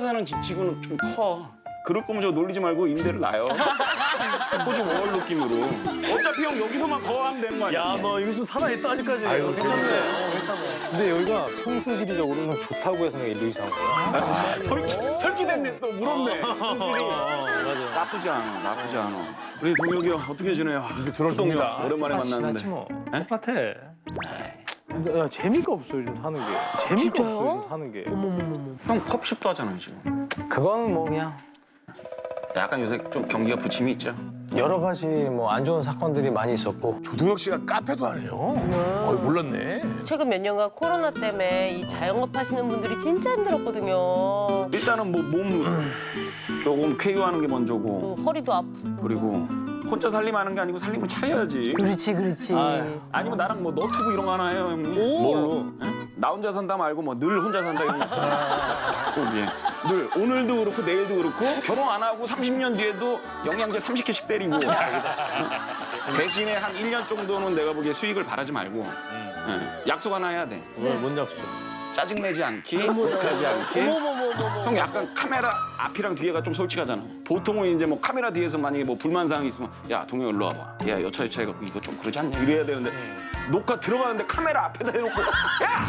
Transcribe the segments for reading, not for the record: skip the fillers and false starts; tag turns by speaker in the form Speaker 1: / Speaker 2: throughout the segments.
Speaker 1: 사는 집치고는 좀 커. 그럴 거면 저 놀리지 말고 임대를 놔요. 호주 월 느낌으로. 어차피 형 여기서만 거하면 되는 거 아니야?
Speaker 2: 야, 너 이거 좀 살아있다 아직까지.
Speaker 3: 아유,
Speaker 2: 괜찮네. 괜찮네.
Speaker 3: 근데 여기가 풍수지리적으로는 좋다고 해서 내가 일로 이사 온 거야.
Speaker 1: 설기됐네 또 물었네.
Speaker 2: 맞아.
Speaker 1: 나쁘지 않아, 나쁘지 않아. 우리 동혁이 형 어떻게 지내요?
Speaker 4: 이제 들어섭니다.
Speaker 1: 오랜만에
Speaker 3: 똑같이
Speaker 1: 만났는데.
Speaker 3: 지났지 뭐.
Speaker 1: 에?
Speaker 3: 똑같아. 야, 재미가 없어 요즘 사는 게. 재미가
Speaker 5: 진짜요?
Speaker 3: 없어 요즘 사는 게.
Speaker 1: 형 컵십도 하잖아요 지금.
Speaker 3: 그거는 뭐 그냥
Speaker 1: 약간 요새 좀 경기가 부침이 있죠.
Speaker 3: 여러 가지 뭐 안 좋은 사건들이 많이 있었고.
Speaker 4: 조동혁 씨가 카페도 하네요. 몰랐네.
Speaker 5: 최근 몇 년간 코로나 때문에 이 자영업 하시는 분들이 진짜 힘들었거든요.
Speaker 1: 일단은 뭐 몸 조금 쾌유하는 게 먼저고
Speaker 5: 또 허리도 아프고.
Speaker 1: 그리고 혼자 살림하는 게 아니고 살림을 차려야지.
Speaker 5: 그렇지, 그렇지.
Speaker 1: 아니면 나랑 뭐 너튜브 이런 거 하나 해요 형님.
Speaker 5: 오.
Speaker 1: 뭘로? 응? 나 혼자 산다 말고 뭐 늘 혼자 산다 이런 거. 꼭 예. 늘 오늘도 그렇고 내일도 그렇고 결혼 안 하고 30년 뒤에도 영양제 30개씩 때리고 대신에 한 1년 정도는 내가 보기에 수익을 바라지 말고 예. 약속 하나 해야 돼.
Speaker 3: 뭔 약속?
Speaker 1: 짜증내지 않기, 욕하지 않기.
Speaker 5: 어머머머머머.
Speaker 1: 형 약간 카메라 앞이랑 뒤에가 좀 솔직하잖아. 보통은 이제 뭐 카메라 뒤에서 만약에 뭐 불만사항이 있으면 야 동영 일로 와봐. 야 여차여차 해갖고 이거 좀 그러지 않냐 이래야 되는데 녹화 들어가는데 카메라 앞에다 해놓고 야!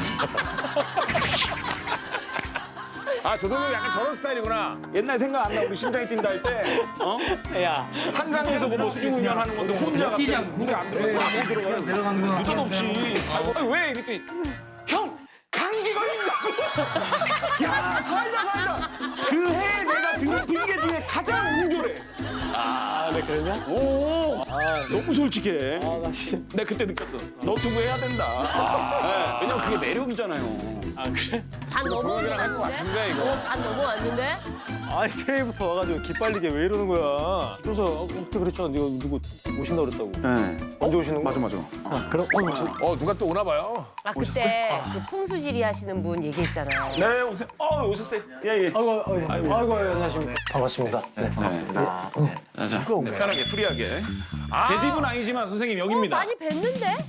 Speaker 4: 아, 조동혁 약간 저런 스타일이구나.
Speaker 1: 옛날 생각 안 나? 우리 심장이 뛴다 할 때 어?
Speaker 3: 야.
Speaker 1: 한강에서 뭐 수중 훈련하는 것도 혼자 갑자기 물에 안 들어가고 안 들어가요.
Speaker 3: 내려가는 거.
Speaker 1: 느닷없이. 아니, 왜? 이랬더니 형! 감기 걸린다고! 야 살다 그해 내가 들은 핑계 중에 가장 웅졸해.
Speaker 3: 아, 네 그러냐?
Speaker 1: 오 너무 솔직해.
Speaker 3: 아, 나 진짜.
Speaker 1: 내가 그때 느꼈어. 너튜브 해야 된다. 네, 왜냐면 그게 매력이잖아요.
Speaker 3: 아, 그래?
Speaker 5: 반 넘어왔는데?
Speaker 4: 같은데, 이거.
Speaker 5: 반 넘어왔는데?
Speaker 3: 아니 새해부터 와가지고 기빨리게 왜 이러는 거야? 그래서 그때 그랬잖아. 네가 누구 오신다 그랬다고.
Speaker 1: 네.
Speaker 3: 언제 오시는 거야?
Speaker 1: 맞아.
Speaker 3: 그럼
Speaker 4: 누가 또 오나 봐요.
Speaker 5: 아, 그때 그 풍수지리 하시는 분 얘기했잖아요.
Speaker 1: 네 오세요. 오셨어요. 예.
Speaker 3: 아이고, 안녕하십니까. 반갑습니다. 네, 반갑습니다.
Speaker 1: 자,
Speaker 4: 누가 온 거야?
Speaker 1: 편하게 프리하게. 제 집은 아니지만 선생님 여기입니다.
Speaker 5: 많이 뵀는데?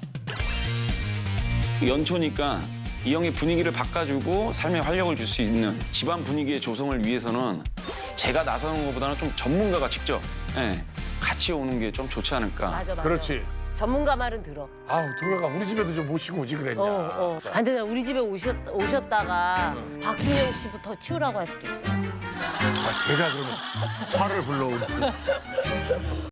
Speaker 1: 연초니까 이 형의 분위기를 바꿔주고 삶에 활력을 줄 수 있는 집안 분위기의 조성을 위해서는 제가 나서는 것보다는 좀 전문가가 직접 같이 오는 게 좀 좋지 않을까.
Speaker 5: 맞아.
Speaker 4: 그렇지.
Speaker 5: 전문가 말은 들어.
Speaker 4: 아우, 동혁아, 우리 집에도 좀 모시고 오지 그랬냐.
Speaker 5: 안 되나 우리 집에 오셨다가 박준영 씨부터 치우라고 할 수도 있어.
Speaker 4: 아, 제가 그러면 화를 불러온.